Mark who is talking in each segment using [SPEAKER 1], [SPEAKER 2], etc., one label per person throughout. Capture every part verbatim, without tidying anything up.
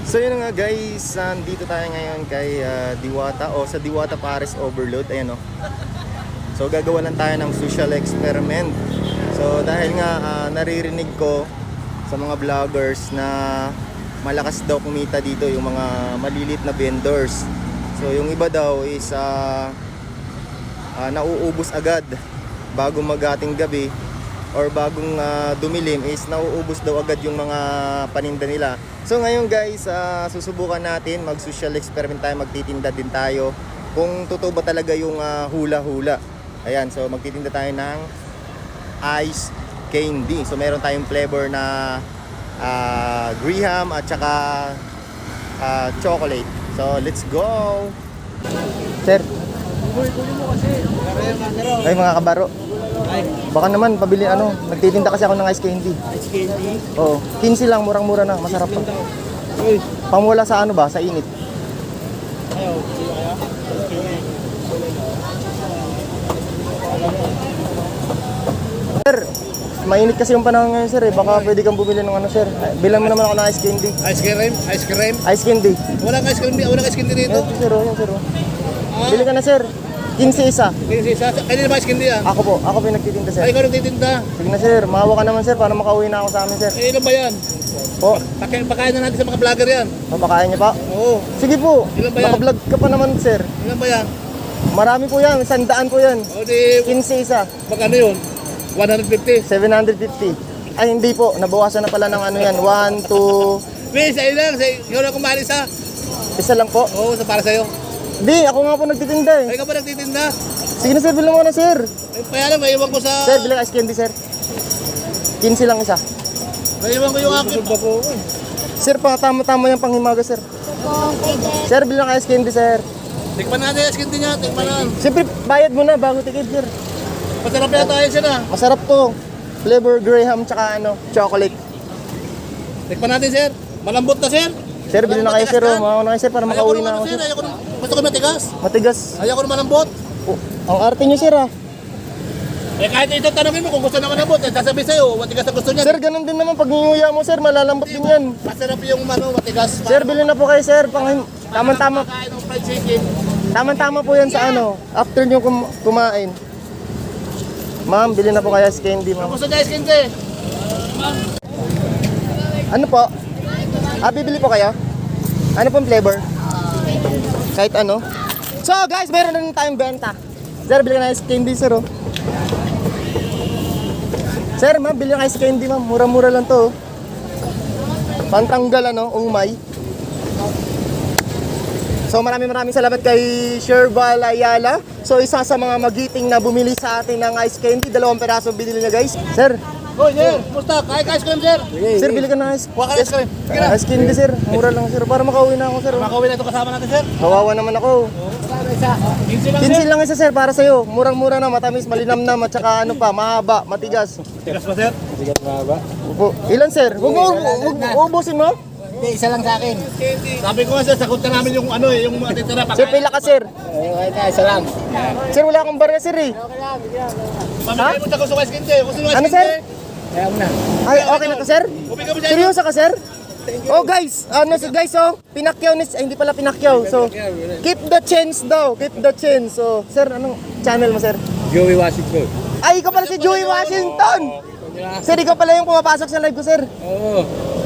[SPEAKER 1] So yun nga guys, dito tayo ngayon kay uh, Diwata o sa Diwata Paris Overload. Ayan o. So gagawa lang tayo ng social experiment. So dahil nga uh, naririnig ko sa mga vloggers na malakas daw kumita dito yung mga malilit na vendors. So yung iba daw is uh, uh, nauubos agad bago magating gabi or bagong uh, dumilim is nauubos daw agad yung mga paninda nila. So ngayon guys, uh, susubukan natin mag-social experiment tayo, magtitinda din tayo kung totoo ba talaga yung uh, hula-hula. Ayan, so magtitinda tayo ng ice candy. So meron tayong flavor na uh, Graham at saka uh, chocolate. So let's go! Sir! Ay mga kabaro, baka naman pabili ano, nagtitinda kasi ako ng ice candy.
[SPEAKER 2] Ice candy?
[SPEAKER 1] Oo, quince lang, murang-mura na, masarap pa. Pangwala sa ano ba, sa init.
[SPEAKER 2] Ayaw, ayaw.
[SPEAKER 1] Sir, mainit kasi yung panahon ngayon sir eh, baka pwede kang bumili ng ano sir. Bilang mo naman ako ng ice candy.
[SPEAKER 2] Ice cream? Ice cream?
[SPEAKER 1] Ice candy.
[SPEAKER 2] Walang ice cream, walang ice candy dito.
[SPEAKER 1] Yan sir, oh, yan sir. Oh.
[SPEAKER 2] Ah,
[SPEAKER 1] Bili ka na sir, quince isa.
[SPEAKER 2] Kasi sa kanina ba ice candy yan?
[SPEAKER 1] Ako po, ako po yung nagtitinda sir.
[SPEAKER 2] Ay, ikaw nagtitinda.
[SPEAKER 1] Sige na sir, mahawa ka naman sir para makauwi na ako sa amin sir.
[SPEAKER 2] Eh, ilan ba yan?
[SPEAKER 1] Po,
[SPEAKER 2] Pakain, pakain na natin sa mga vlogger yan.
[SPEAKER 1] papakain niyo pa?
[SPEAKER 2] Oo.
[SPEAKER 1] Sige po,
[SPEAKER 2] Ilan ba yan?
[SPEAKER 1] naka-vlog ka pa naman sir.
[SPEAKER 2] Ilan ba yan?
[SPEAKER 1] Marami po yan, sandaan po yan.
[SPEAKER 2] O di,
[SPEAKER 1] quince isa,
[SPEAKER 2] magkano yun? one fifty.
[SPEAKER 1] seven fifty. Ay hindi po, nabawasan na pala ng ano yan, one, two,
[SPEAKER 2] May, sa'yo lang. Sa'yo, ikaw na kumali sa.
[SPEAKER 1] isa lang po.
[SPEAKER 2] Oo, sa para sa'yo.
[SPEAKER 1] Di, ako nga po nagtitinda eh.
[SPEAKER 2] Ay, ikaw ba nagtitinda?
[SPEAKER 1] Sige na sir, bilang mo na sir.
[SPEAKER 2] Ay, kaya lang, maiwan ko sa...
[SPEAKER 1] Sir, bilang ice candy sir. quince lang isa.
[SPEAKER 2] Maiwan ko yung akin.
[SPEAKER 1] Sir, pa tama-tama yung panghimaga sir. Sir, bilang ice candy sir.
[SPEAKER 2] Tikman natin yung ice candy niya. Tikman natin.
[SPEAKER 1] Siyempre, bayad mo na bago tikid sir.
[SPEAKER 2] Masarap na tayo siya na.
[SPEAKER 1] Masarap to. Flavor Graham tsaka ano, chocolate.
[SPEAKER 2] Tikman natin, sir. Malambot na, sir.
[SPEAKER 1] Sir, bilhin na kayo sir. Oh. Makauna na kayo sir para
[SPEAKER 2] Ayaw ko
[SPEAKER 1] makauwi
[SPEAKER 2] naman,
[SPEAKER 1] na ako
[SPEAKER 2] sir.
[SPEAKER 1] sir.
[SPEAKER 2] Ayaw ko na. Gusto ko matigas.
[SPEAKER 1] Matigas.
[SPEAKER 2] Ayaw ko na malambot.
[SPEAKER 1] Oh, ang arte nyo sir ah.
[SPEAKER 2] Eh kahit ito tanongin mo kung gusto na malambot, eh, sasabihin sa'yo, matigas na gusto niya.
[SPEAKER 1] Sir, ganun din naman pag nginguya mo sir, malalambot din yan.
[SPEAKER 2] Masarap yung ano, matigas.
[SPEAKER 1] Sir, bilhin na po kayo sir. Pang tama-tama.
[SPEAKER 2] Kain ng fried chicken.
[SPEAKER 1] Tama-tama po yan sa ano, after nyo kum kumain. Ma'am, bilhin na po kayo ice candy ma'am.
[SPEAKER 2] Gusto niya ice candy.
[SPEAKER 1] Ano po? Ah, bibili po kayo? Ano pong flavor? Kahit ano? So guys, meron na rin tayong benta. Sir, bili ka ng ice candy sir oh. Sir, ma'am, bili ng ice candy ma'am. Mura-mura lang to oh. Pantanggal ano, umay. So maraming maraming salamat kay Sherval Ayala. So isa sa mga magiting na bumili sa atin ng ice candy. Dalawang peraso binili niya guys. Sir,
[SPEAKER 2] Hoy, sir. Musta? Kain ka ice cream, sir.
[SPEAKER 1] sir, bili ka ng ice,
[SPEAKER 2] Kuha ka ng ice cream. Sige na.
[SPEAKER 1] ice candy sir. Mura lang sir. Para makauwi na ako sir oh.
[SPEAKER 2] Makauwi na ito kasama natin, sir.
[SPEAKER 1] Kawawa naman ako.
[SPEAKER 2] Kinsi lang,
[SPEAKER 1] quince
[SPEAKER 2] sir.
[SPEAKER 1] lang isa sir para sa'yo. Murang-mura na, matamis, malinamnam at saka ano pa, mahaba, matigas.
[SPEAKER 2] Tigas ba, sir?
[SPEAKER 1] Upo. Ilan sir? Huwag mo, huwag mo, ubusin mo.
[SPEAKER 3] Hindi, isa lang sa akin.
[SPEAKER 2] Sabi ko nga, sir, sagot na namin yung ano eh, yung mga titira.
[SPEAKER 1] Sir, pila ka sir.
[SPEAKER 3] Ayun, okay, isa lang.
[SPEAKER 1] Sir, wala akong barya sir eh.
[SPEAKER 2] Pamigay mo sa gusto ko ice candy. Gusto mo ice
[SPEAKER 1] Ano
[SPEAKER 2] candy?
[SPEAKER 1] sir?
[SPEAKER 3] Ayaw mo na.
[SPEAKER 1] Ay, okay na to sir?
[SPEAKER 2] Bumigay mo siya.
[SPEAKER 1] Seryoso ka sir? Oh guys, ano si guys oh, pinakyaw ni, ay, hindi pala pinakyaw. So, keep the chance daw, keep the chance. So, sir, anong channel mo sir?
[SPEAKER 3] Joey Washington.
[SPEAKER 1] Ay, ikaw pala si Joey Washington. Sir, ikaw pala yung pumapasok sa live ko sir.
[SPEAKER 3] Oo.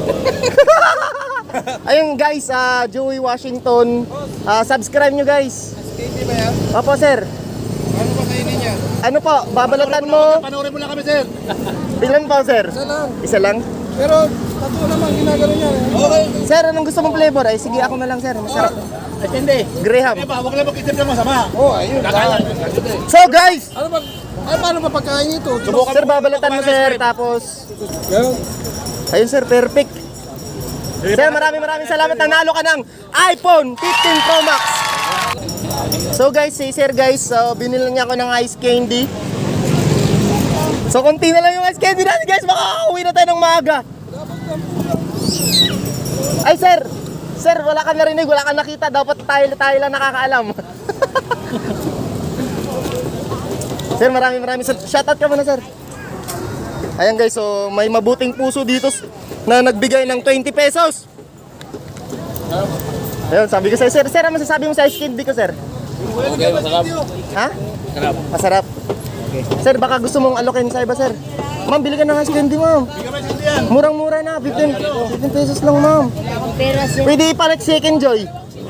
[SPEAKER 1] Ayun guys, ah Joey Washington, ah subscribe nyo guys.
[SPEAKER 2] Candy ba yan?
[SPEAKER 1] Opo sir.
[SPEAKER 2] Ano ba kainin niya?
[SPEAKER 1] Ano po, babalatan mo.
[SPEAKER 2] Panoorin mo lang kami, sir.
[SPEAKER 1] Ilan po sir?
[SPEAKER 2] Isa lang.
[SPEAKER 1] Isa lang?
[SPEAKER 2] Pero, tatlo naman ginagano niya. Okay.
[SPEAKER 1] Sir, anong gusto mong flavor? Ay sige, ako na lang sir. Masarap.
[SPEAKER 2] Ice candy.
[SPEAKER 1] Graham.
[SPEAKER 2] Eh ba, huwag lang mag-isip ng masama. Oo, oh, ayun. Kakain.
[SPEAKER 1] So guys,
[SPEAKER 2] Ano ba? Ay, paano ba pagkain ito? Subukan
[SPEAKER 1] sir, babalatan mo sir. Tapos, ayun sir, perfect. Sir, maraming maraming salamat. Nanalo ka ng iPhone fifteen Pro Max. So guys, si sir guys, so binili niya ako ng ice candy. So konti na lang yung ice candy natin guys, makakauwi na tayo ng maaga. Ay sir, sir, wala ka narinig, wala ka nakita, dapat tayo, tayo lang nakakaalam. Sir, maraming maraming sal- shoutout ka muna sir. Ayan guys, so may mabuting puso dito na nagbigay ng twenty pesos. Ayun, sabi ko sa'yo, sir, sir, ano masasabi mo sa ice candy ko, sir?
[SPEAKER 3] Okay, masarap.
[SPEAKER 1] Ha?
[SPEAKER 3] Masarap.
[SPEAKER 1] Masarap. Sir, baka gusto mong alokin sa iba, sir. Ma'am, bili ka ng ice candy, ma'am. Murang-mura na, fifteen, fifteen pesos lang, ma'am.
[SPEAKER 4] Pero sir,
[SPEAKER 1] Pwede ipalit second joy.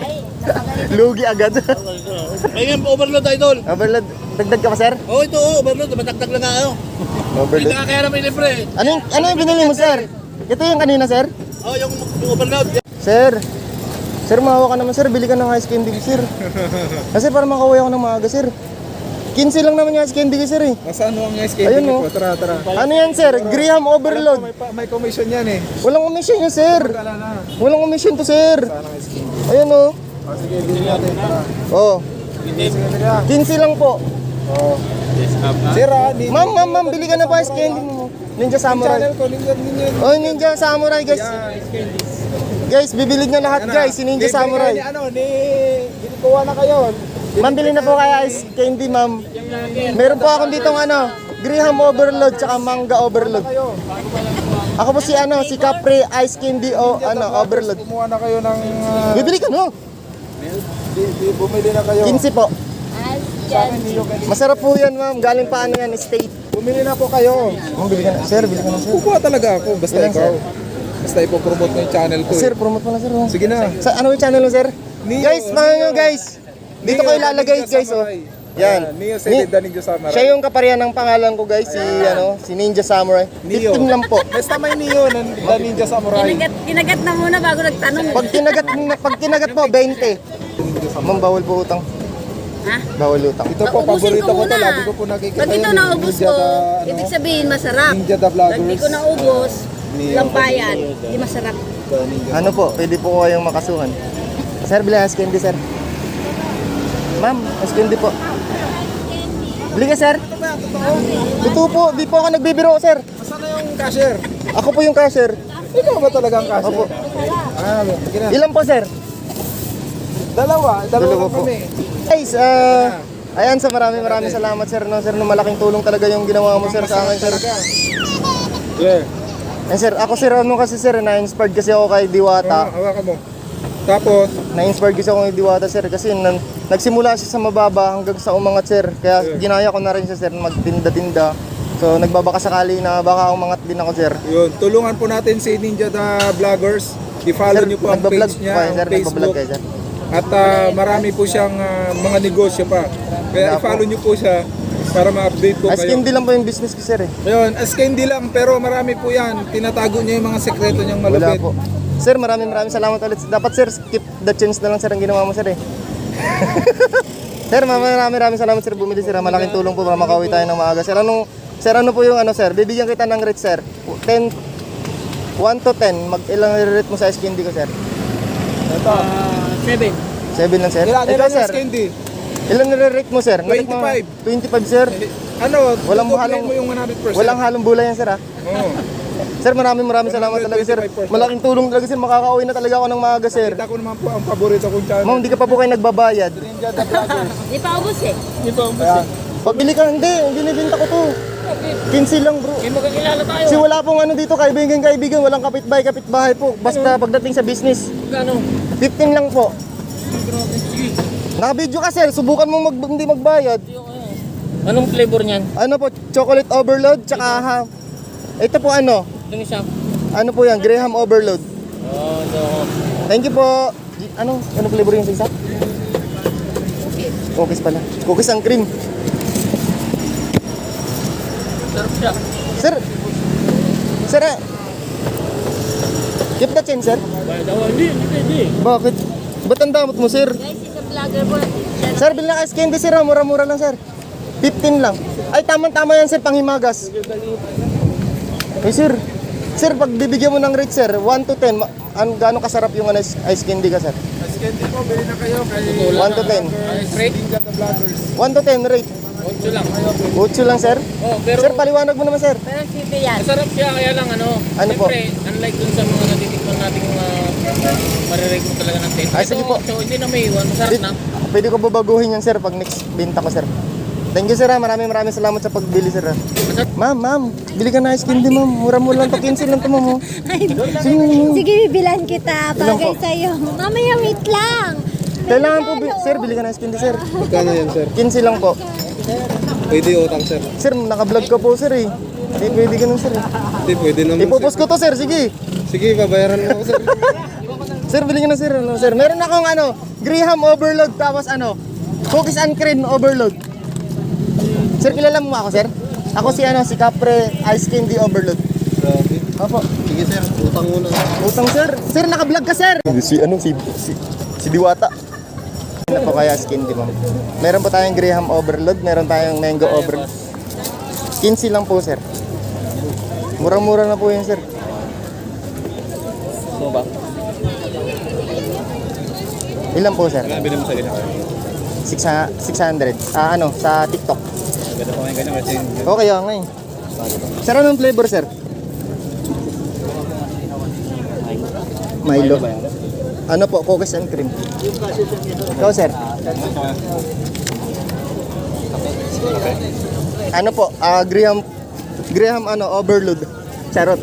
[SPEAKER 1] Lugi agad.
[SPEAKER 2] Ay, nga, overload idol.
[SPEAKER 1] Overload. Dagdag ka pa, sir?
[SPEAKER 2] Oo, oh, ito, oh, overload. Matagtag lang nga, ano. Hindi
[SPEAKER 1] Overload.
[SPEAKER 2] ka kaya na may libre.
[SPEAKER 1] Ano yung, ano yung binili mo, sir? Ito yung kanina, sir?
[SPEAKER 2] Oo, oh, yung, yung overload.
[SPEAKER 1] Sir, sir, mahawa ka naman, sir. Bili ka ng ice candy, sir. Kasi para makauwi ako ng maaga, sir. quince lang naman yung ice candy ko, sir, eh.
[SPEAKER 5] Nasaan mo ang ice candy
[SPEAKER 1] Ayun,
[SPEAKER 5] ko?
[SPEAKER 1] oh.
[SPEAKER 5] Tara, tara.
[SPEAKER 1] Ano yan, sir? Graham overload.
[SPEAKER 5] May, pa- may commission yan eh.
[SPEAKER 1] Walang commission yun, sir.
[SPEAKER 5] Wala na.
[SPEAKER 1] Walang commission to, sir.
[SPEAKER 5] Saan ang ice candy?
[SPEAKER 1] Ayun, oh.
[SPEAKER 5] Oh, sige, bilhin natin. Tara.
[SPEAKER 1] Oh,
[SPEAKER 5] Sige, tara.
[SPEAKER 1] quince lang po.
[SPEAKER 5] Oh. Sir, ah, ni-
[SPEAKER 1] Ma'am, ma'am, ma'am, bili ka na pa ice candy mo. Ninja Samurai.
[SPEAKER 5] channel ko, ninja, ninja.
[SPEAKER 1] Oh, Ninja Samurai, guys.
[SPEAKER 5] Yan, ice candy.
[SPEAKER 1] Guys, bibili niyo lahat, guys. Si Ninja
[SPEAKER 5] Bibili
[SPEAKER 1] Samurai.
[SPEAKER 5] Ni, ano, ni... Binikuha na kayo.
[SPEAKER 1] Ma'am, bili na po kaya ice candy, ma'am. Meron po akong ditong ano, Graham Overload tsaka Manga Overload.
[SPEAKER 5] Kayo.
[SPEAKER 1] Ako po si ano, si Capri Ice Candy o ano, Overload.
[SPEAKER 5] Kumuha na kayo ng... ah,
[SPEAKER 1] Bibili ka no?
[SPEAKER 5] di, di, bumili na kayo.
[SPEAKER 1] quince po.
[SPEAKER 5] Sa akin, niyo kayo.
[SPEAKER 1] Masarap po yan, ma'am. Galing pa ano yan, state.
[SPEAKER 5] Bumili na po kayo.
[SPEAKER 1] Ma'am, bili ka na. Sir, bili ka na, sir.
[SPEAKER 5] Kukuha talaga ako. Basta
[SPEAKER 1] Ilan,
[SPEAKER 5] ikaw.
[SPEAKER 1] sir?
[SPEAKER 5] Basta ipopromote mo yung channel ko.
[SPEAKER 1] Sir,
[SPEAKER 5] Eh.
[SPEAKER 1] promote mo na, sir. oh.
[SPEAKER 5] Sige na.
[SPEAKER 1] Sa ano yung channel mo, sir?
[SPEAKER 5] Neo,
[SPEAKER 1] Guys, mga nyo,
[SPEAKER 5] Neo.
[SPEAKER 1] guys. Dito
[SPEAKER 5] Neo,
[SPEAKER 1] ko ilalagay,
[SPEAKER 5] Ninja
[SPEAKER 1] guys, oh.
[SPEAKER 5] Samurai.
[SPEAKER 1] Yan.
[SPEAKER 5] Ayan, Neo
[SPEAKER 1] Ni-
[SPEAKER 5] Ceded the Ninja Samurai.
[SPEAKER 1] Siya yung kaparihan ng pangalan ko, guys. Si, ano, si Ninja Samurai.
[SPEAKER 5] Neo.
[SPEAKER 1] fifteen lang po.
[SPEAKER 5] Basta may Neo ng the Ninja Samurai.
[SPEAKER 4] kinagat, kinagat na muna bago nagtanong.
[SPEAKER 1] Pag kinagat, pag kinagat po, twenty. Ma'am, bawal po utang.
[SPEAKER 4] Ha?
[SPEAKER 1] Bawal utang.
[SPEAKER 5] Ito po,
[SPEAKER 4] Naubusin
[SPEAKER 5] paborito
[SPEAKER 4] ko
[SPEAKER 5] ko to.
[SPEAKER 4] muna.
[SPEAKER 5] Lagi ko po nakikita
[SPEAKER 4] Pag ito
[SPEAKER 5] yun,
[SPEAKER 4] naubos
[SPEAKER 5] Ninja
[SPEAKER 4] ko,
[SPEAKER 5] the, ano,
[SPEAKER 4] ibig sabihin masarap.
[SPEAKER 5] Ninja the
[SPEAKER 4] Pag
[SPEAKER 5] Vloggers.
[SPEAKER 4] di ko naubos,
[SPEAKER 5] Neo.
[SPEAKER 4] lambayan, di masarap.
[SPEAKER 5] The Ninja
[SPEAKER 1] Ano po, pwede po kayong makasuhan. Sir, bilhin ice candy, sir. Ma'am, ice candy po. Bili ka, sir. Totoo po, di po ako nagbibiro, sir.
[SPEAKER 5] Saan na yung cashier?
[SPEAKER 1] Ako po yung cashier.
[SPEAKER 5] Ikaw ba talaga ang cashier?
[SPEAKER 1] Opo.
[SPEAKER 5] Ah, sige na.
[SPEAKER 1] Ilan po, sir?
[SPEAKER 5] Dalawa. Dalawa
[SPEAKER 1] Dalawa
[SPEAKER 5] lang
[SPEAKER 1] po.
[SPEAKER 5] kami.
[SPEAKER 1] Guys, ah... ayan, sa maraming maraming salamat, sir. No, sir, no, malaking tulong talaga yung ginawa mo, sir, sa akin, sir.
[SPEAKER 5] Yeah.
[SPEAKER 1] Eh, sir, ako, sir, ano kasi, sir, na-inspired kasi ako kay Diwata.
[SPEAKER 5] Ah, hawakan mo. Tapos,
[SPEAKER 1] Na-inspired kasi ako kay Diwata, sir, kasi nan, nagsimula siya sa mababa hanggang sa umangat, sir. Kaya ginaya ko na rin siya, sir, magtinda-tinda. So, nagbabaka sakali na baka umangat din ako, sir.
[SPEAKER 5] yun, tulungan po natin si Ninja the Vloggers. I-follow
[SPEAKER 1] Sir,
[SPEAKER 5] niyo po ang
[SPEAKER 1] nagbablog
[SPEAKER 5] page
[SPEAKER 1] po
[SPEAKER 5] niya,
[SPEAKER 1] kayo,
[SPEAKER 5] ang
[SPEAKER 1] sir, nagbablog
[SPEAKER 5] Facebook.
[SPEAKER 1] kayo, sir.
[SPEAKER 5] At ah, marami po siyang ah, mga negosyo pa.
[SPEAKER 1] Wala
[SPEAKER 5] Kaya
[SPEAKER 1] po.
[SPEAKER 5] i-follow niyo po siya para ma-update po
[SPEAKER 1] Ice
[SPEAKER 5] kayo.
[SPEAKER 1] candy lang po yung business ko, sir, eh.
[SPEAKER 5] Ayun, as candy lang pero marami po yan. Tinatago niya yung mga sekreto niyang
[SPEAKER 1] Wala
[SPEAKER 5] malupit.
[SPEAKER 1] po. Sir, maraming maraming salamat ulit. Dapat, sir, skip the chance na lang, sir, ang ginawa mo, sir, eh. Sir, maraming maraming salamat, sir, bumili, sir. Malaking tulong po para makauwi tayo ng maaga. Sir, anong, sir, ano po yung ano, sir? Bibigyan kita ng rate, sir. ten, one to ten, mag ilang rate mo sa ice candy ko, sir?
[SPEAKER 5] Ito.
[SPEAKER 3] Seven.
[SPEAKER 1] seven lang, sir.
[SPEAKER 5] Ilan,
[SPEAKER 1] Ikaw,
[SPEAKER 5] ilan
[SPEAKER 1] sir?
[SPEAKER 5] yung candy?
[SPEAKER 1] Ilan nire-rate mo, sir? Narate mo-
[SPEAKER 5] twenty-five.
[SPEAKER 1] twenty-five, sir.
[SPEAKER 5] Ano,
[SPEAKER 1] Walang
[SPEAKER 5] tutuklayin
[SPEAKER 1] halong-
[SPEAKER 5] mo yung one hundred percent.
[SPEAKER 1] Walang halong bulay yan, sir, ha?
[SPEAKER 5] Oo.
[SPEAKER 1] Sir, maraming maraming salamat talaga, sir.
[SPEAKER 5] twenty-five percent.
[SPEAKER 1] Malaking tulong talaga, sir. Makakauwi na talaga ako ng maaga, sir.
[SPEAKER 5] Kita ko naman po ang paborito kong channel.
[SPEAKER 1] Ma'am, di ka pa po kayo nagbabayad.
[SPEAKER 5] Ninja the Vloggers.
[SPEAKER 4] Di pa ubos eh.
[SPEAKER 5] Ayan.
[SPEAKER 1] Pabili ka, hindi. Binibinta ko to. quince lang, bro.
[SPEAKER 3] Hindi magkakilala tayo.
[SPEAKER 1] Kasi wala pong ano dito, kaibigan, kaibigan. Walang kapitbahay, kapitbahay po. Basta pagdating sa business.
[SPEAKER 3] Gano?
[SPEAKER 1] fifteen lang po. Naka-video ka, sir. Subukan mo mag hindi magbayad.
[SPEAKER 3] Anong flavor niyan?
[SPEAKER 1] Ano po, chocolate overload, tsaka ha. Ito po ano,
[SPEAKER 3] Itong isa.
[SPEAKER 1] ano po yan, Graham overload.
[SPEAKER 3] Oh, so,
[SPEAKER 1] Thank you po. Di- Ano, ano flavor yung sa isa? Cookies pala. Cookies ang cream.
[SPEAKER 3] sarap siya.
[SPEAKER 1] Sir, sir, eh. Keep the change, sir.
[SPEAKER 3] Bayad ako. Hindi, hindi pwede.
[SPEAKER 1] Bakit? Ba't ang damot mo, sir?
[SPEAKER 4] Guys, isa vlogger po.
[SPEAKER 1] Sir, bilhin na ice candy, sir. ah. Mura-mura lang, sir. fifteen lang. Ay, tamang-tama yan, sir. Panghimagas. Eh, sir. Sir, pag bibigyan mo ng rate, sir, one to ten, ma- an gaano kasarap yung ano, ice ice candy ka, sir?
[SPEAKER 5] As candy po, bili na kayo kay
[SPEAKER 1] one to ten.
[SPEAKER 3] Straight?
[SPEAKER 5] Ninja the Vloggers.
[SPEAKER 1] one to ten rate.
[SPEAKER 3] Ocho lang.
[SPEAKER 1] Ocho lang, sir.
[SPEAKER 3] Oh, pero
[SPEAKER 1] Sir, paliwanag mo naman, sir.
[SPEAKER 4] Pero sipi yan.
[SPEAKER 3] masarap siya. Kaya lang ano.
[SPEAKER 1] Ano po?
[SPEAKER 3] Siyempre, unlike dun sa mga natitikman nating uh, marirate mo talaga ng ten.
[SPEAKER 1] Ay, sige po.
[SPEAKER 3] So, hindi na may iwan. Masarap na.
[SPEAKER 1] Pwede ko babaguhin yan, sir, pag next binta ko, sir. Thank you sir ha. Maraming maraming salamat sa pagbili sir ha. Ma'am, ma'am. Bili ka na ice candy ma'am. Mura-mura lang to. quince lang to ma'am. oh. Sige, ma'am.
[SPEAKER 6] Sige, bibilan kita.
[SPEAKER 1] Ilan
[SPEAKER 6] Bagay
[SPEAKER 1] po?
[SPEAKER 6] sa'yo. Mamaya, wait lang.
[SPEAKER 1] Kailangan po, bi- sir, bili ka na ice candy sir.
[SPEAKER 5] Magkano yan, sir?
[SPEAKER 1] quince lang po.
[SPEAKER 5] Pwede utang, sir.
[SPEAKER 1] Sir, naka-vlog ka po sir eh. Hindi pwede ganun sir eh.
[SPEAKER 5] Hindi, pwede naman,
[SPEAKER 1] Ipopost ko to sir, sige.
[SPEAKER 5] Sige, babayaran mo ako, sir.
[SPEAKER 1] Sir, bili ka na sir. Ano, sir. Meron akong ano, Graham overload tapos ano, cookies and cream overload. Sir, kilala mo ako sir? Ako si ano, si Capre Ice Candy Overload.
[SPEAKER 5] Grabe.
[SPEAKER 1] Opo.
[SPEAKER 5] Sige, sir. Utang muna.
[SPEAKER 1] Utang sir. Sir, naka-vlog ka sir. Si ano, si si, si Diwata. Ano po kaya ice candy ma'am? Meron po tayong Graham Overload, meron tayong Mango Overload. quince lang po sir. Murang-mura na po yun sir.
[SPEAKER 3] So ba?
[SPEAKER 1] Ilan po sir?
[SPEAKER 3] Kaya bilhin mo sa ganyan.
[SPEAKER 1] six hundred. Ah, ano, sa TikTok.
[SPEAKER 3] Ganda pa ngayon ganyan kasi
[SPEAKER 1] Okay, okay. Sir, anong flavor, sir? Milo. Ano po, cookies and cream. Ikaw, sir? Ano po, ah, Graham, Graham, ano, overload. Charot.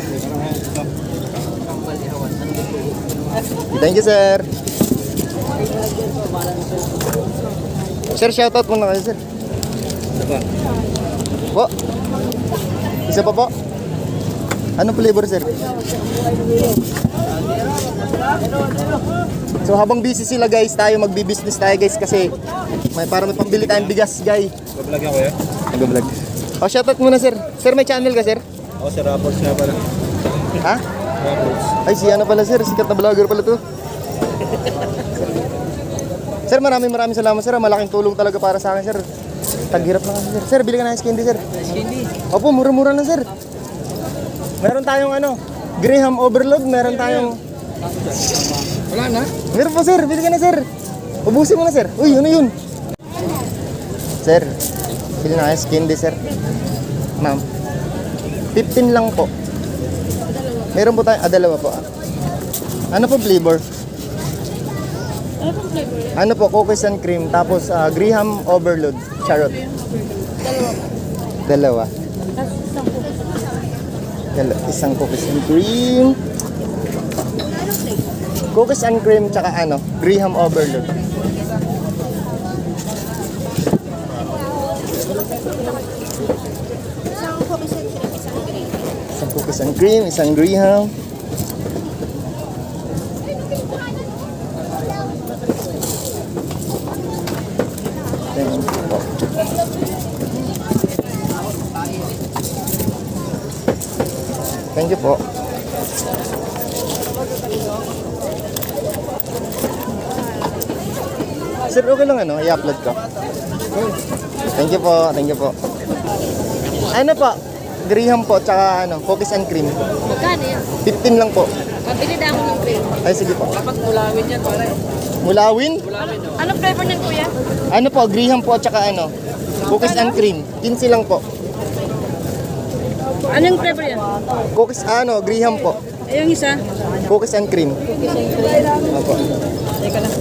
[SPEAKER 1] Thank you, sir. Sir, shoutout muna kayo, sir. Po. Isa pa po. Anong flavor, sir? So habang busy sila guys, tayo magbi-business tayo guys kasi may para may pambili tayong bigas, guys.
[SPEAKER 3] Vlog ako eh.
[SPEAKER 1] Nag-vlog. Oh, shoutout muna, sir. Sir, may channel ka, sir?
[SPEAKER 3] Ako si Rappers nga pala.
[SPEAKER 1] Ha?
[SPEAKER 3] Rappers.
[SPEAKER 1] Ay, si ano pala, sir? Sikat na vlogger pala to. Sir, maraming maraming salamat, sir. Malaking tulong talaga para sa akin, sir. Taghirap lang kasi, sir. Sir, bili ka na ice candy, sir. Ice candy? Opo, mura-mura lang, sir. Meron tayong ano, Graham Overload. Meron tayong...
[SPEAKER 5] Wala na?
[SPEAKER 1] Meron po, sir. Bili ka na, sir. Ubusin mo na, sir. Uy, ano yun? Sir, bili na ice candy, sir. Ma'am. fifteen lang po. Meron po tayong... Ah, dalawa po. Ano po flavor? Ano po, cookies and cream, tapos ah, Graham Overload, charot. Dalawa. Dalawa. Isang cookies and cream. Cookies and cream, tsaka ano, Graham Overload. Isang cookies and cream, isang Graham. Thank you po. Thank you po. Sir, okay lang ano, i-upload ko. Thank you po, thank you po. Ano po? Graham po, tsaka ano, cookies and cream.
[SPEAKER 4] Magkano yan?
[SPEAKER 1] fifteen lang po.
[SPEAKER 4] Pabili na ako ng cream.
[SPEAKER 1] Ay, sige po.
[SPEAKER 3] Dapat mulawin yan pare.
[SPEAKER 1] Mulawin?
[SPEAKER 4] Anong flavor niyan, kuya?
[SPEAKER 1] Ano po, Graham po, tsaka ano, cookies and cream. quince lang po.
[SPEAKER 4] Anong flavor yan?
[SPEAKER 1] Cookies, ano, Graham po.
[SPEAKER 4] Ay, yung isa.
[SPEAKER 1] Cookies and cream. Opo.
[SPEAKER 4] Teka lang.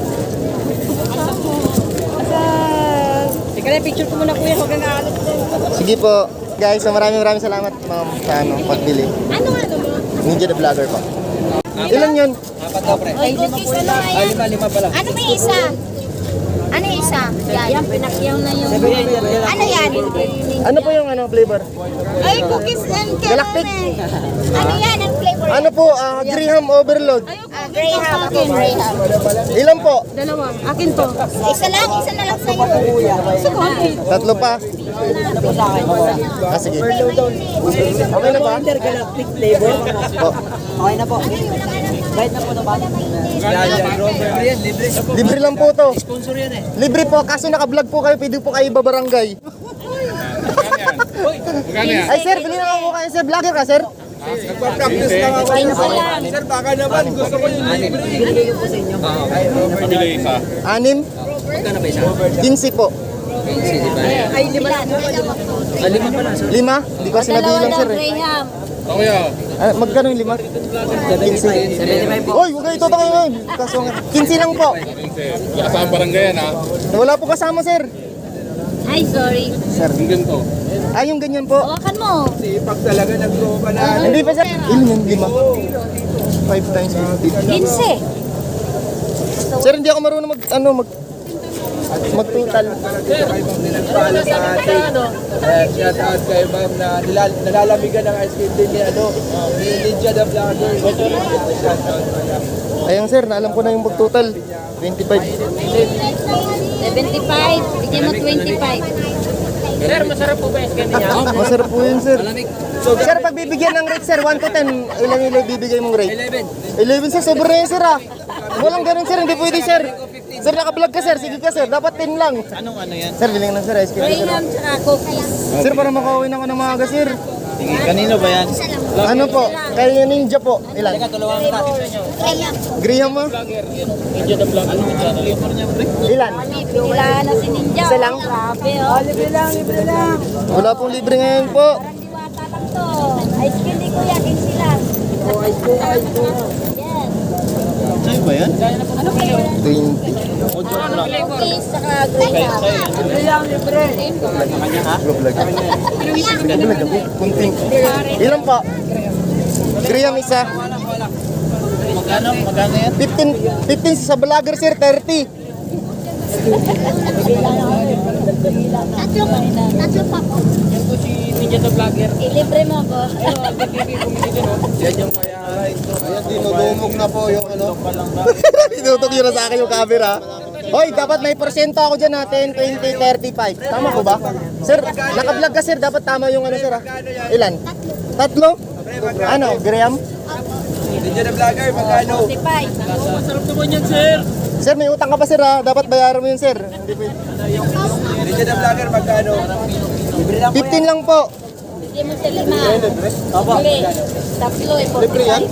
[SPEAKER 4] Teka lang, picture ko muna, kuya. Huwag kang aalat.
[SPEAKER 1] Sige po. Guys, so maraming maraming salamat ma'am sa ano, pagbili.
[SPEAKER 4] Ano ano mo?
[SPEAKER 1] Ninja the Vlogger po. Ilan yun?
[SPEAKER 3] Apat daw pre.
[SPEAKER 6] Ay, cookies, ano nga
[SPEAKER 3] Ay,
[SPEAKER 6] yan?
[SPEAKER 3] lima, lima pala.
[SPEAKER 6] Ano ba yung isa? Ano yung isa?
[SPEAKER 4] Yan, pinakyaw na yung...
[SPEAKER 6] Ano yan?
[SPEAKER 1] Ano po yung ano flavor?
[SPEAKER 6] Ay, cookies and
[SPEAKER 1] Galactic.
[SPEAKER 6] caramel. Ano yan? Ang flavor?
[SPEAKER 1] Ano po? ah, Graham Overload.
[SPEAKER 6] Ah, Graham. Graham.
[SPEAKER 1] Ilan po?
[SPEAKER 4] Dalawa. Akin to.
[SPEAKER 6] Isa lang, isa na lang sa'yo.
[SPEAKER 1] Tatlo pa. Ah, sige. Okay na ba?
[SPEAKER 7] Intergalactic flavor.
[SPEAKER 1] Po.
[SPEAKER 7] Okay na po. Kahit na po na ba?
[SPEAKER 3] Yan, yan. Libre yan, libre.
[SPEAKER 1] Libre lang po to.
[SPEAKER 3] Sponsor yan eh.
[SPEAKER 1] Libre po. Kaso naka-vlog po kayo. Pwede po kayo ibabarangay. Ay sir, bili na ako kayo sir. Vlogger ka sir?
[SPEAKER 5] Nagpa-practice lang ako. Sir, baka naman gusto ko yung libre.
[SPEAKER 7] Binigay ko po sa inyo.
[SPEAKER 1] Anim?
[SPEAKER 3] Magkano ba isa?
[SPEAKER 1] quince po.
[SPEAKER 3] Hindi ba?
[SPEAKER 7] Ay, lima lang.
[SPEAKER 3] Ah, lima pala. So,
[SPEAKER 1] Lima? Hindi ko kasi nabilang sir eh.
[SPEAKER 6] Graham.
[SPEAKER 1] Ah, magkano yung lima? quince.
[SPEAKER 7] seventy-five po.
[SPEAKER 1] Hoy, huwag kayo ito tayo ngayon. Kaso nga, quince lang po.
[SPEAKER 2] Wala kasama barangay yan ha.
[SPEAKER 1] Wala po kasama sir.
[SPEAKER 6] Ay, sorry.
[SPEAKER 1] Sir.
[SPEAKER 2] Ganito.
[SPEAKER 1] Ah, yung ganyan po.
[SPEAKER 6] Hawakan mo.
[SPEAKER 5] Sipag talaga ng tropa na.
[SPEAKER 1] Hindi pa sir. Ilan yung lima? Five times fifty.
[SPEAKER 6] Kinse.
[SPEAKER 1] Sir, hindi ako marunong mag, ano, mag, mag-total.
[SPEAKER 5] Kay Ma'am Ninagpala sa atin. Eh, shout out kay Ma'am na nilal nalalamigan ng ice cream din ni ano, ni Lydia the Vlogger. Shout out pala.
[SPEAKER 1] Ayun sir, naalam ko na yung mag-total. twenty-five.
[SPEAKER 6] seventy-five. Bigyan mo twenty-five.
[SPEAKER 3] Sir, masarap po ba yung skin niya?
[SPEAKER 1] Masarap po yun sir. Sir, pag bibigyan ng rate sir, one to ten, ilan ilan bibigay mong rate?
[SPEAKER 7] eleven.
[SPEAKER 1] eleven sir, sobra na yun sir ah. Walang ganun sir, hindi pwede sir. Sir, naka-vlog ka sir, sige ka sir, dapat ten lang.
[SPEAKER 3] Anong ano yan?
[SPEAKER 1] Sir, biling lang sir, ice cream sir.
[SPEAKER 6] Graham tsaka cookies.
[SPEAKER 1] Sir, para makauwi na ako ng maaga sir.
[SPEAKER 3] Sige, kanino ba yan?
[SPEAKER 1] Ano po? Kay Ninja po. Ilan?
[SPEAKER 3] Tulungan kita.
[SPEAKER 6] Graham.
[SPEAKER 1] Graham mo?
[SPEAKER 3] Ninja the vlog. Ano yung flavor niya, pre?
[SPEAKER 1] Ilan?
[SPEAKER 6] Pinilaan na si Ninja.
[SPEAKER 1] Isa lang?
[SPEAKER 6] Grabe, oh.
[SPEAKER 7] Libre lang, libre lang.
[SPEAKER 1] Wala pong libre ngayon po.
[SPEAKER 6] Parang diwata lang to. Ice cream di kuya, kinsi lang.
[SPEAKER 7] Oh, ice cream, ice cream.
[SPEAKER 6] Yan.
[SPEAKER 3] Sa'yo ba yan?
[SPEAKER 6] Ano flavor?
[SPEAKER 1] twenty.
[SPEAKER 6] Cookies tsaka Graham.
[SPEAKER 7] Libre lang, libre.
[SPEAKER 1] Vlog. Vlog ako. Kunting. Ilan po? Graham isa.
[SPEAKER 3] Magkano? Magkano yan?
[SPEAKER 1] fifteen. fifteen sa vlogger sir, thirty.
[SPEAKER 6] Tatlo pa. Tatlo pa po.
[SPEAKER 3] Yan po si Ninja the vlogger.
[SPEAKER 6] Ilibre mo ko.
[SPEAKER 5] Yan yung mayahay.
[SPEAKER 1] Ayan, dinudumog na po yung ano. Tinutok yun na sa akin yung camera. Hoy, dapat may porsyento ako dyan ha, ten, twenty, thirty-five. Tama ko ba? Sir, naka-vlog ka sir, dapat tama yung ano sir ha. Ilan? Tatlo? Ano, Graham?
[SPEAKER 5] Lydia the Vlogger, magkano?
[SPEAKER 6] forty-five.
[SPEAKER 3] Masarap naman yan, sir.
[SPEAKER 1] Sir, may utang ka pa sir ha, dapat bayaran mo yun sir. Hindi pwede.
[SPEAKER 5] Lydia the Vlogger, magkano?
[SPEAKER 1] fifteen lang po.
[SPEAKER 6] Bigyan mo sa lima. Uli. Tatlo eh, forty-five.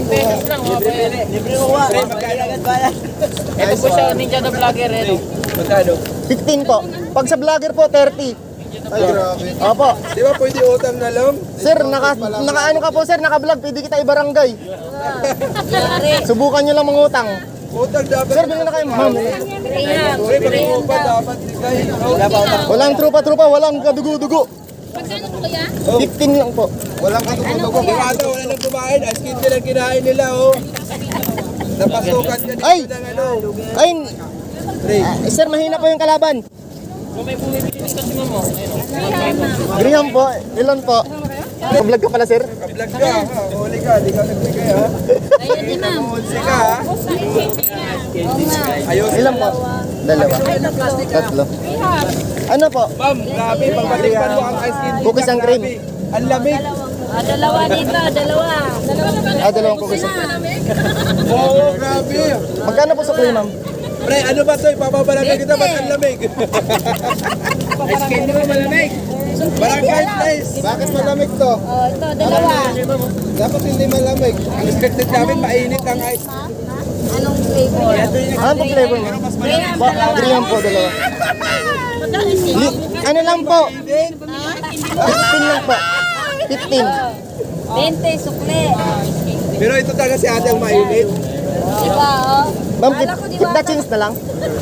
[SPEAKER 7] Libre mo ba?
[SPEAKER 5] Pre, magkano?
[SPEAKER 3] Ito po siya, Ninja the vlogger. Eh.
[SPEAKER 5] Magkano?
[SPEAKER 1] fifteen po. Pag sa vlogger po, thirty. Ay, grabe. Opo.
[SPEAKER 5] Di ba pwede utang na lang?
[SPEAKER 1] Sir, naka, naka ano ka po sir, naka-vlog, pwede kita ibarangay.
[SPEAKER 6] Yari.
[SPEAKER 1] Subukan nyo lang mangutang.
[SPEAKER 5] Utang dapat.
[SPEAKER 1] Sir, bilhin na kayo, ma'am.
[SPEAKER 6] Graham.
[SPEAKER 5] Pre, mag-upa dapat bigay.
[SPEAKER 1] Walang trupa-trupa, walang kadugo-dugo.
[SPEAKER 6] Magkano po kaya?
[SPEAKER 1] fifteen lang po.
[SPEAKER 5] Walang katutubo. Bukado, wala nang kumain. Ice cream din ang kinain nila, oh. Napasukan ka dito
[SPEAKER 1] Ay!
[SPEAKER 5] ng ano.
[SPEAKER 1] Ay,
[SPEAKER 5] Pre,
[SPEAKER 1] ah, sir, mahina po yung kalaban.
[SPEAKER 3] Kung may bumibili din kasi mo mo. Ayun.
[SPEAKER 1] Graham po, ilan po? Vlog ka pala sir?
[SPEAKER 5] vlog ka, ha? Huli ka, di ka nagbigay, ha?
[SPEAKER 6] Ayun si ma'am.
[SPEAKER 5] Hulsi ka, ha?
[SPEAKER 6] Oo nga.
[SPEAKER 5] Ayos.
[SPEAKER 1] Ilan po? Dalawa. Tatlo. Ano po?
[SPEAKER 5] Ma'am, grabe, pagpatikpan mo ang ice cream.
[SPEAKER 1] Cookies and cream.
[SPEAKER 5] Grabe. Ang lamig.
[SPEAKER 6] Ah, dalawa dito, dalawa.
[SPEAKER 1] Ah, dalawang cookies.
[SPEAKER 5] Oo, grabe.
[SPEAKER 1] Magkano po sa kuya ma'am?
[SPEAKER 5] Pre, ano ba ito? Ipapabarangay kita, ba't ang lamig? Ice cream mo malamig. Barangay place.
[SPEAKER 1] Bakit malamig to?
[SPEAKER 6] Oh, ito, dalawa.
[SPEAKER 1] Dapat hindi malamig.
[SPEAKER 5] Ang expected namin, mainit ang ice.
[SPEAKER 6] Anong flavor?
[SPEAKER 1] Ano po flavor mo?
[SPEAKER 6] Graham,
[SPEAKER 1] Ba,
[SPEAKER 6] dalawa.
[SPEAKER 1] Graham po, dalawa. Li- ano lang po? fifteen lang po. fifteen.
[SPEAKER 6] twenty, sukle.
[SPEAKER 5] Pero ito talaga si ate ang mainit.
[SPEAKER 6] Diba, oh?
[SPEAKER 1] Ma'am, keep,
[SPEAKER 6] Kala ko
[SPEAKER 1] keep the change na lang.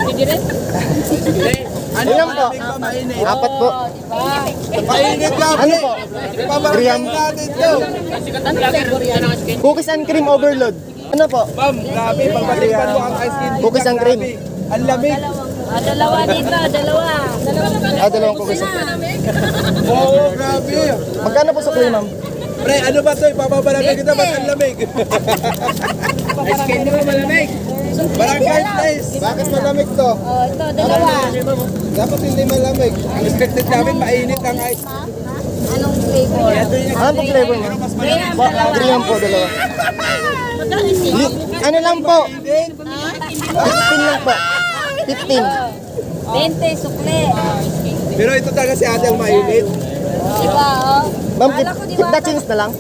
[SPEAKER 5] Ano
[SPEAKER 1] Ilan po?
[SPEAKER 5] malamig ba mainit?
[SPEAKER 1] Apat po.
[SPEAKER 5] Mainit lang.
[SPEAKER 1] Ano po?
[SPEAKER 5] Ipabarangay
[SPEAKER 1] Graham.
[SPEAKER 5] natin ito.
[SPEAKER 1] Cookies and cream overload. Ano po?
[SPEAKER 5] Ma'am, grabe, pagpatikpan mo ang ice cream.
[SPEAKER 1] Cookies and cream.
[SPEAKER 5] Grabe. Ang lamig.
[SPEAKER 6] Ah, dalawa dito, dalawa.
[SPEAKER 1] Ah, dalawang cookies.
[SPEAKER 5] Oo, grabe.
[SPEAKER 1] Magkano po sa kuya ma'am?
[SPEAKER 5] Pre, ano ba ito? Ipapabarangay kita, ba't ang lamig? Ice cream mo malamig. Barangay place.
[SPEAKER 1] Bakit malamig to?
[SPEAKER 6] Oh, ito, dalawa.
[SPEAKER 1] Dapat hindi malamig.
[SPEAKER 5] Ang expected namin, mainit ang ice.
[SPEAKER 6] Anong flavor?
[SPEAKER 1] Ano po flavor mo?
[SPEAKER 6] Graham,
[SPEAKER 1] Ba,
[SPEAKER 6] dalawa.
[SPEAKER 1] Graham po, dalawa. Li- ano lang po? fifteen lang po. fifteen.
[SPEAKER 6] twenty, sukle.
[SPEAKER 5] Pero ito talaga si ate ang mainit.
[SPEAKER 6] Diba, oh?
[SPEAKER 1] Ma'am, keep,
[SPEAKER 6] Kala ko
[SPEAKER 1] keep the change na lang.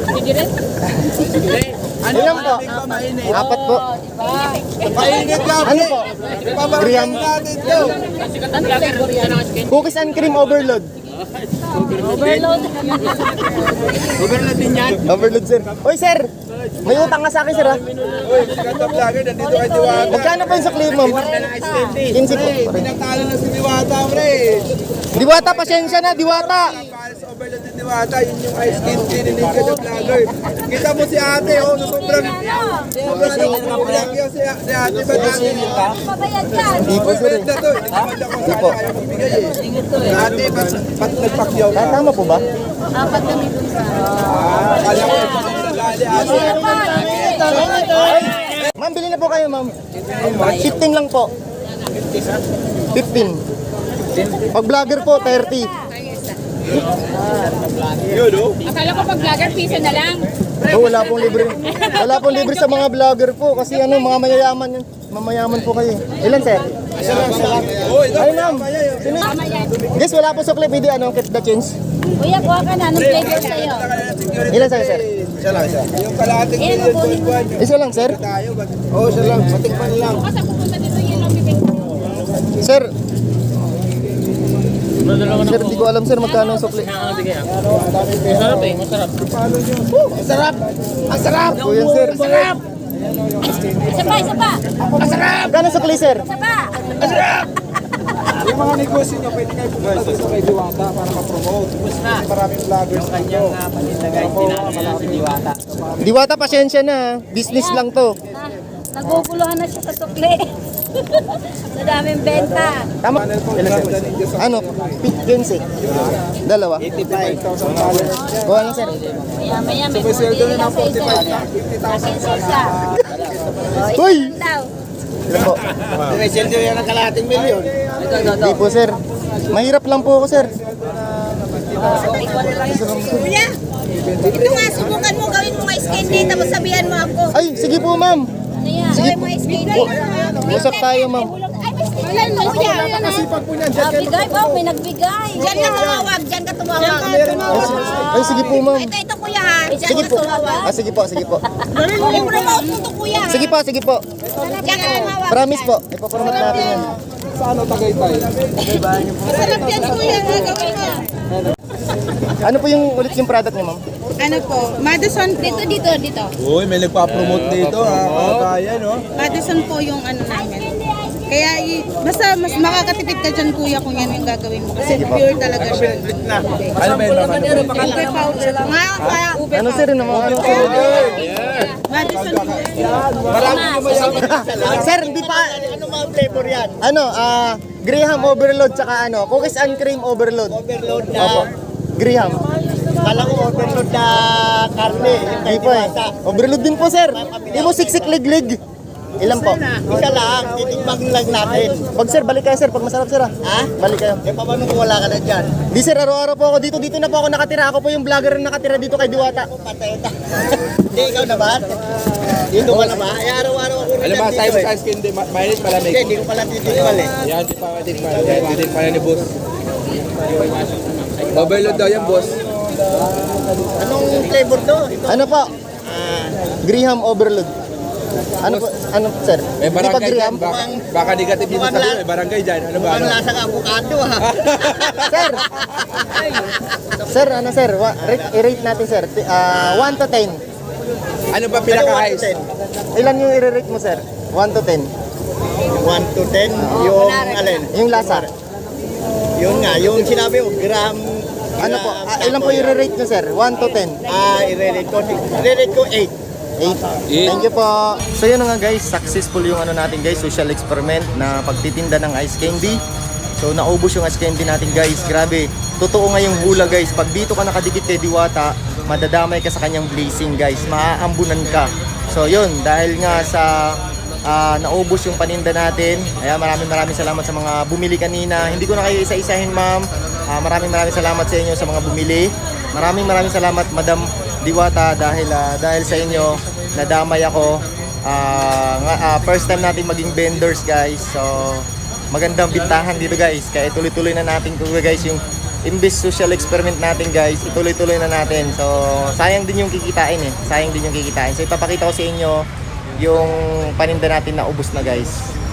[SPEAKER 5] Ano
[SPEAKER 1] Ilan po?
[SPEAKER 5] malamig ba mainit?
[SPEAKER 1] Apat po.
[SPEAKER 5] Mainit lang.
[SPEAKER 1] Ano po?
[SPEAKER 5] Ipabarangay
[SPEAKER 1] Graham.
[SPEAKER 5] natin ito.
[SPEAKER 1] Cookies and cream overload.
[SPEAKER 6] Overload.
[SPEAKER 5] Overload din yan.
[SPEAKER 1] Overload sir. Oy sir, May utang nga sa akin, sir, ha?
[SPEAKER 5] Uy, sikat na vlogger, nandito kay Diwata.
[SPEAKER 1] Magkano pa yung sukli, ma'am? quince po.
[SPEAKER 5] Pinatalo na si Diwata, pre.
[SPEAKER 1] Diwata, pasensya na, Diwata.
[SPEAKER 5] Paris overload ni Diwata, yun yung ice cream tin ni Ninja the Vlogger. Kita mo si ate, oh, na sobrang sobrang nakakulang yun si, si ate ba namin?
[SPEAKER 6] Mabayad yan.
[SPEAKER 1] Hindi po, sir, eh.
[SPEAKER 5] Na to, hindi naman ako sana ayaw ibigay eh. Si ate, ba't ba't nagpakyaw ka?
[SPEAKER 1] Ah, tama po ba?
[SPEAKER 6] Apat kami dun sa...
[SPEAKER 5] Ah, akala ko, nagali ate.
[SPEAKER 6] Ano pa?
[SPEAKER 1] Ma'am, bili na po kayo, ma'am. fifteen lang po. fifteen. Pag vlogger po, thirty.
[SPEAKER 5] Yun, oh.
[SPEAKER 6] Akala ko pag vlogger, piso na lang.
[SPEAKER 1] Oh, wala pong libre. Wala pong libre sa mga vlogger po kasi ano, mga mayayaman yun. Mamayaman po kayo. Ilan, sir?
[SPEAKER 5] Oh, ito.
[SPEAKER 1] Ay, ma'am. Sino? Guys, wala po sukli. Pwede ano, keep the change.
[SPEAKER 6] Kuya, kuha ka na. Anong flavor sa'yo?
[SPEAKER 1] Ilan sa'yo, sir?
[SPEAKER 5] Isa lang, isa. Yung kalahating
[SPEAKER 6] Eh,
[SPEAKER 5] million
[SPEAKER 6] mabunin.
[SPEAKER 5] buwan nyo.
[SPEAKER 1] Isa lang, sir.
[SPEAKER 5] Tayo, ba't? Oo, isa lang. Matikman lang.
[SPEAKER 6] Bukas ang pupunta dito yun ang bibig.
[SPEAKER 1] Sir. Sir, di ko alam, sir, magkano ang sukli.
[SPEAKER 3] Ah, sige. ah. Masarap eh, masarap.
[SPEAKER 5] Masarap! Ang sarap!
[SPEAKER 1] Po yan, sir.
[SPEAKER 6] Isa pa, isa pa.
[SPEAKER 1] Magkano sukli, sir?
[SPEAKER 6] Isa pa.
[SPEAKER 5] Yung mga negosyo nyo, pwede kayo pumunta dito kay Diwata para ma-promote. Maraming vloggers dito.
[SPEAKER 1] Diwata, pasensya na. Business lang to.
[SPEAKER 6] Na, naguguluhan na siya sa sukli. Sa daming benta.
[SPEAKER 1] Tama? Ilan, sir? Ano? quince. Dalawa.
[SPEAKER 5] eighty-five thousand dollars.
[SPEAKER 1] Kuha lang, sir.
[SPEAKER 6] Maya maya may bumili na sa isa. Akin sa isa.
[SPEAKER 1] Uy!
[SPEAKER 6] Daw.
[SPEAKER 1] Ilan po?
[SPEAKER 5] May sweldo yan ng kalahating milyon.
[SPEAKER 1] Hindi po, sir. Mahirap lang po ako, sir.
[SPEAKER 6] Kuya, ito nga, subukan mo, gawin mo ice candy, tapos sabihan mo ako.
[SPEAKER 1] Ay, sige po, ma'am.
[SPEAKER 6] Ano yan? Gawin mo ice candy.
[SPEAKER 1] Usap tayo, ma'am.
[SPEAKER 6] Ay, may mo kuya. Ah, bigay pa, may nagbigay. Diyan ka tumawag, diyan ka tumawag.
[SPEAKER 1] Ay, sige po, ma'am.
[SPEAKER 6] Ito, ito kuya ha. Diyan
[SPEAKER 1] Sige
[SPEAKER 6] ka
[SPEAKER 1] po.
[SPEAKER 6] tumawag.
[SPEAKER 1] Ah, sige po, sige po.
[SPEAKER 6] I-promote mo to kuya. ha?
[SPEAKER 1] Sige po, sige po.
[SPEAKER 6] Diyan ka tumawag.
[SPEAKER 1] Promise po. Ipapromote natin yan.
[SPEAKER 5] Sa ano, Tagaytay?
[SPEAKER 6] Masarap yan kuya, ha? Gawin mo.
[SPEAKER 1] Ano po yung ulit yung product niyo, ma'am?
[SPEAKER 4] Ano po? Madison po.
[SPEAKER 6] Dito, dito, dito.
[SPEAKER 5] Uy, may nagpa-promote dito ha. Kaya, no?
[SPEAKER 4] Madison po yung ano namin. Kaya i- basta mas makakatipid ka dyan kuya kung yan yung gagawin mo. Kasi pure talaga siya.
[SPEAKER 5] Ano ba yun, ma'am?
[SPEAKER 4] Ube powder. Nga kaya ube
[SPEAKER 1] Ano, sir? Ano, mga ano, sir?
[SPEAKER 4] Madison po.
[SPEAKER 5] Marami yumayaman.
[SPEAKER 1] Sir, hindi pa... Ano mga flavor yan? Ano, ah... Graham overload tsaka ano, cookies and cream overload. Overload na... Opo. Graham. Kala ko overload na karne. Hindi po eh. Overload din po, sir. Hindi mo siksik lig-lig. Ilan po? Isa lang. Titikbang lang natin. Pag sir, balik kayo sir. Pag masarap sir, ha? Ha? Balik kayo. Eh, paano kung wala ka na dyan? Di sir, araw-araw po ako dito. Dito na po ako nakatira. Ako po yung vlogger na nakatira dito kay Diwata. Ako patay na. Hindi, ikaw na ba? Dito ka na ba? Ay, araw-araw ako rin
[SPEAKER 5] Alam ba,
[SPEAKER 1] dito
[SPEAKER 5] tayo
[SPEAKER 1] eh.
[SPEAKER 5] sa skin, di ma- mainit malamig.
[SPEAKER 1] Hindi, hindi ko pala titikmal eh.
[SPEAKER 5] Yan, di pa matikman. Yan, titikman ni boss. Overload daw yan, boss.
[SPEAKER 1] Anong flavor to? Ano po? Graham overload. Ano po? Ano sir?
[SPEAKER 5] May
[SPEAKER 1] Hindi pa
[SPEAKER 5] barangay dyan.
[SPEAKER 1] Graham?
[SPEAKER 5] Baka, baka negative yung sabi mo. May barangay dyan. Ano ba? Ano?
[SPEAKER 1] lasang avocado ha. Sir. Sir, ano sir? Wa- rate, i-rate natin sir. Ah, one to ten.
[SPEAKER 5] Ano ba pinaka-highs?
[SPEAKER 1] Ilan yung i-rate mo sir? one to ten.
[SPEAKER 2] one to ten, yung alin?
[SPEAKER 1] Yung lasa.
[SPEAKER 2] Yun nga, yung sinabi mo, gram...
[SPEAKER 1] Ano po? Ah, ilan po i-rate nyo sir? one to ten.
[SPEAKER 2] Ah, i-relate ko, i-relate ko eight.
[SPEAKER 1] eight. Thank you po. So yun na nga guys, successful yung ano natin guys, social experiment na pagtitinda ng ice candy. So naubos yung ice candy natin guys. Grabe. Totoo nga yung hula guys. Pag dito ka nakadikit kay Diwata, madadamay ka sa kanyang blessing guys. Maaambunan ka. So yun, dahil nga sa ah, naubos yung paninda natin. Kaya maraming maraming salamat sa mga bumili kanina. Hindi ko na kayo isa-isahin ma'am. Ah, maraming maraming salamat sa inyo sa mga bumili. Maraming maraming salamat Madam Diwata dahil ah, dahil sa inyo nadamay ako. Ah, nga, ah, first time natin maging vendors guys. So magandang bintahan dito guys. Kaya tuloy-tuloy na natin ko guys yung imbes social experiment natin guys. Ituloy-tuloy na natin. So sayang din yung kikitain eh. Sayang din yung kikitain. So ipapakita ko sa inyo yung paninda natin na ubos na guys.